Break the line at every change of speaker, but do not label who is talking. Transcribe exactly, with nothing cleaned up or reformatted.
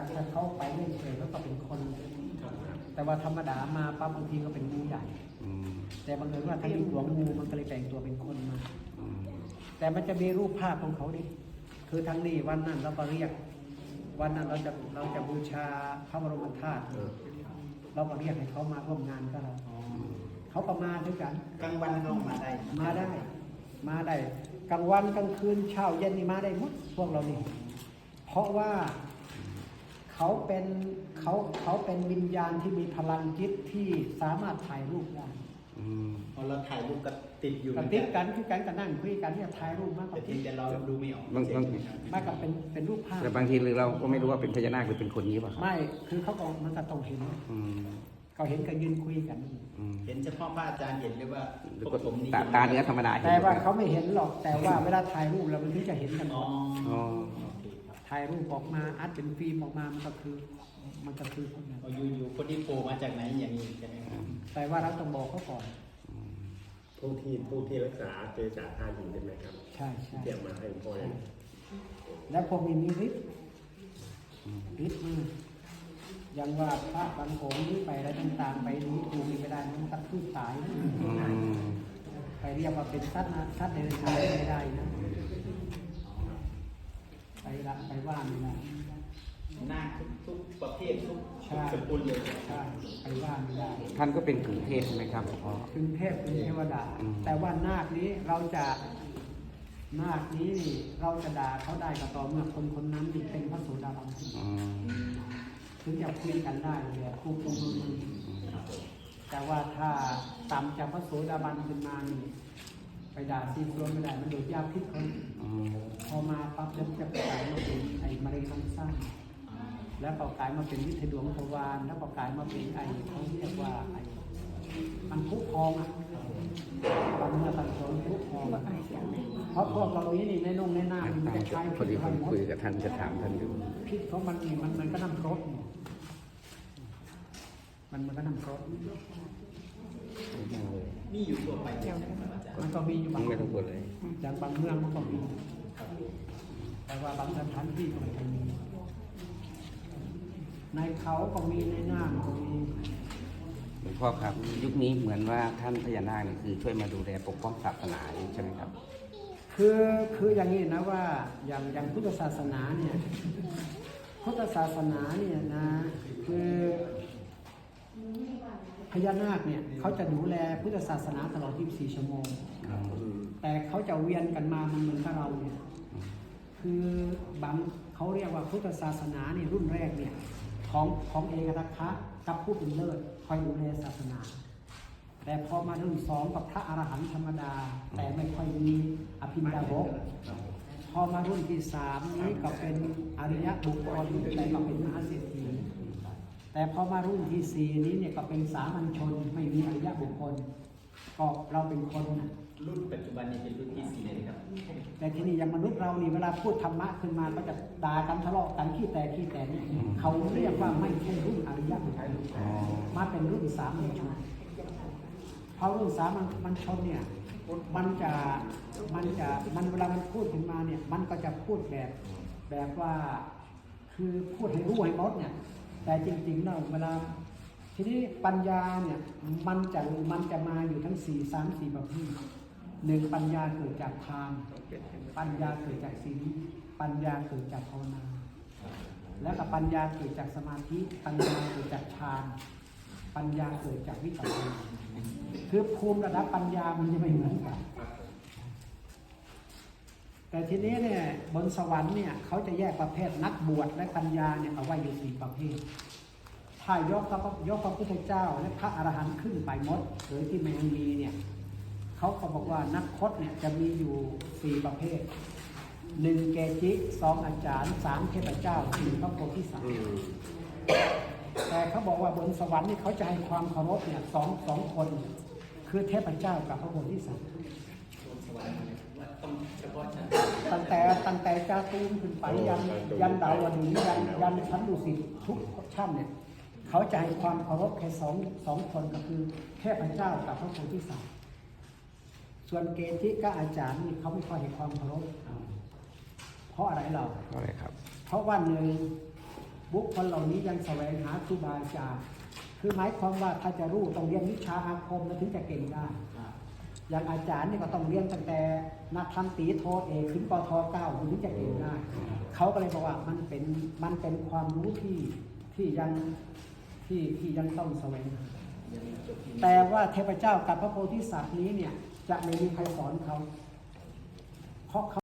ถ้าเขาไปเรื่อยๆแล้วก็เป็นคนแต่ว่าธรรมดามาปั๊บบางทีก็เป็นงูใหญ่แต่บางเอิญว่าถ้ามีหลวงงูมันก็เลยแปลงตัวเป็นคนมาแต่มันจะมีรูปภาพของเขาดิคือทั้งนี้วันนั้นเราก็เรียกวันนั้นเราจะเราจะบูชาพระบรมธาตุเราก็เรียกให้เขามาร่วมงานกับเราเขาก็มาด้วยกัน
กลางวันน้องมาได้
มาได้มาได้กลางวันกลางคืนเช้าเย็นนี่มาได้หมดพวกเรานี่เพราะว่าเขาเป็นเขาเขาเป็นวิญญาณที่มีพลังจิตที่สามารถถ่ายรูปได้
พอเราถ่ายรูปก็ติดอยู่
กับติดกันคือกันกันนั่งคุยกันที่จะถ่ายรูปมากกว่า
ที่แต่เราดูไม่ออก
มากกับเป็นเป็นรูปภาพ
แต่บางทีเราก็ไม่รู้ว่าเป็นพญานาคหรือเป็นคนนี้ป่ะ
ไม่คือเขาก็มันก็ต้องเห็นเขาเห็นก็ยืนคุยกัน
เห็นเฉพาะพระอาจารย์เห็นหรือว่าผมนี่
ตาเนื้อธรรมดา
แต่ว่าเขาไม่เห็นหรอกแต่ว่าเวลาถ่ายรูปเรามันถึงจะเห็นกันถ่ายรูปออกมาอัดเป็นฟิล์มออกมามันก็คือมันก็คือคนนั้น
อยู่ๆคนที่โผล่มาจากไหนอย่างนี้ใช่ไหม
แต่ว่าเราต้องบอกเขาก่อน
ผู้ที่ผู้ที่รักษาเจษาธาตุใช่ไหมครับ
ใช่ใช่
เตรียมมาให้พ่อ
แล้วพวกนี้มีฤทธิ์ฤทธิ์มากอย่างว่าพระบางองค์นี้ไปแล้วต่างๆไปนี้ดูไม่ได้มันตัดพืชสายไปเรียกว่าเป็นสัตว์นะสัตว์เดรัจฉานไม่ได้นะไปละไปว่าไม่ได้
หน้าทุกประเภททุกสกุลเลย
ใช่ไปว่าไม่ได้
ท่านก็เป็นกึ่งเทพใช่ไหมครับพ่อ
กึ่งเทพกึ่งเทวดาแต่ว่านาคนี้เราจะนาคนี้เราจะด่าเขาได้ก็ต่อเมื่อคนคนนั้นเป็นพระโสดาบันถึงจะคุยกันได้เลยคู่คู่คู่แต่ว่าถ้าต่ำจากพระโสดาบันขึ้นมานี่ไปด่าซีซัวไม่ได้มันโดดยาพิษคนพอมาปั๊บแล้วจะกลายมาเป็นไอ้มะเร็งลำไส้แล้วก็กลายมาเป็นวิทยดวงทวารแล้วก็กลายมาเป็นไอ้เขาเรียกว่าไอ้มันพุพองอ่ะบางเมื่อตัดสนพุพองเพราะพวกเรานี้นี่ในนงในหน้ามันจะใช้
พอดีผมคุยกับท่านจะถามท่านดู
พิษของมันนี่มันมันก็น้ำกรดมันมันก็น้ำกรด
นี่อยู่ตัวไป
มันก็มีอยู่บาง
ไม่ต้องกลัวเลย
อย่างบางเมืองมันก็มีแต่ว่าบางสถานที่ก็ไม่มีในเขาก็มีในหน้าก็มี
หลวงพ่อครับยุคนี้เหมือนว่าท่านพญานาคนี่คือช่วยมาดูแลปกป้องศาสนาใช่ไหมครับ
คือคืออย่างนี้นะว่าอย่างอย่างพุทธศาสนาเนี่ยพุทธศาสนาเนี่ยนะคือพญานาคเนี่ยเขาจะดูแลพุทธศาสนาตลอดยี่สิบสี่ชั่วโมงแต่เขาจะเวียนกันมามันเหมือนกับเราเนี่ยคือบางเขาเรียกว่าพุทธศาสนาเนี่ยรุ่นแรกเนี่ยของของเอกทัคคะกับผู้เป็นเลิศคอยดูแลศาสนาแต่พอมารุ่นสองกับพระอรหันต์ธรรมดาแต่ไม่ค่อยมีอภินดาภกพอมารุ่นที่สามนี้ก็เป็นอริยบุคคลแต่ก็เป็นมหาเศรษฐีแต่พอมารุ่นที่สี่นี้เนี่ยก็เป็นสามัญชนไม่มีอริยบุคคลก็เราเป็นคน
รุ่นปัจจุบันนี้เป็นรุ่นที่สี่เลยครับ
แต่ที่นี่อย่างมนุษย์เรานี่เวลาพูดธรรมะขึ้นมาก็จะด่ากันทะเลาะกันขี้แต่ขี้แต่นี่เขาเรียกว่าไม่ใช่รุ่นอริยบุคคลมาเป็นรุ่นสามัญชนเพราะรุ่นสามัญชนเนี่ยมันจะมันจะมันเวลามันพูดขึ้นมาเนี่ยมันก็จะพูดแบบแบบว่าคือพูดให้รู้ให้หมดเนี่ยแต่จริงๆแล้วเวลาทีนี้ปัญญาเนี่ยมันจะมันจะมาอยู่ทั้งสี่สามสี่ประเภทหนึ่งปัญญาเกิดจากทานปัญญาเกิดจากศีลปัญญาเกิดจากภาวนาแล้วก็ปัญญาเกิดจากสมาธิปัญญาเกิดจากฌานปัญญาเกิดจากวิปัสสนาคือภูมิระดับปัญญามันจะไม่เหมือนกันแต่ทีนี้เนี่ยบนสวรรค์เนี่ยเขาจะแยกประเภทนักบวชและปัญญาเนี่ยเอาไว้อยู่สี่ประเภทถ้ายกพระยกพระพุทธเจ้าและพระอรหันต์ขึ้นไปหมดโดยที่ไม่มีเนี่ยเขาก็บอกว่านักพจน์เนี่ยจะมีอยู่สี่ประเภทหนึ่งเกจิสองอาจารย์สามเทพเจ้าสี่พระโพธิสัตว์แต่เขาบอกว่าบนสวรรค์นี่เขาจะให้ความเคารพเนี่ยสองสองคนคือเทพเจ้ากับพระโพธิสัตว์ตั้งแต่ตั้งแต่จาตูมขึ้นไปยันยันดาวดึงยันยันชั้นดุสิตทุกชั้นเนี่ยเขาจะให้ความเคารพแค่สองสองคนก็คือเทพเจ้ากับพระโพธิสัตว์ส่วนเกจิกับอาจารย์นี่เขาไม่ค่อยให้ความเคารพเพราะอะไรเรา
เพราะอะไรครับ
เพราะว่าหนึ่งบุคคลเหล่านี้ยังแสวงหาครูบาอาจารย์คือหมายความว่าถ้าจะรู้ต้องเรียนวิชาอาคมแล้วถึงจะเก่งได้ อย่างอาจารย์นี่ก็ต้องเรียนตั้งแต่นักธรรมตรีโทเอกถึงปทเก้าถึงจะเก่งได้เขาก็เลยบอกว่ามันเป็นมันเป็นความรู้ที่ที่ยังที่ที่ยังต้องแสวงหาแต่ว่าเทพเจ้ากับพระโพธิสัตว์นี้เนี่ยจะไม่มีใครสอนเขาเพราะเขา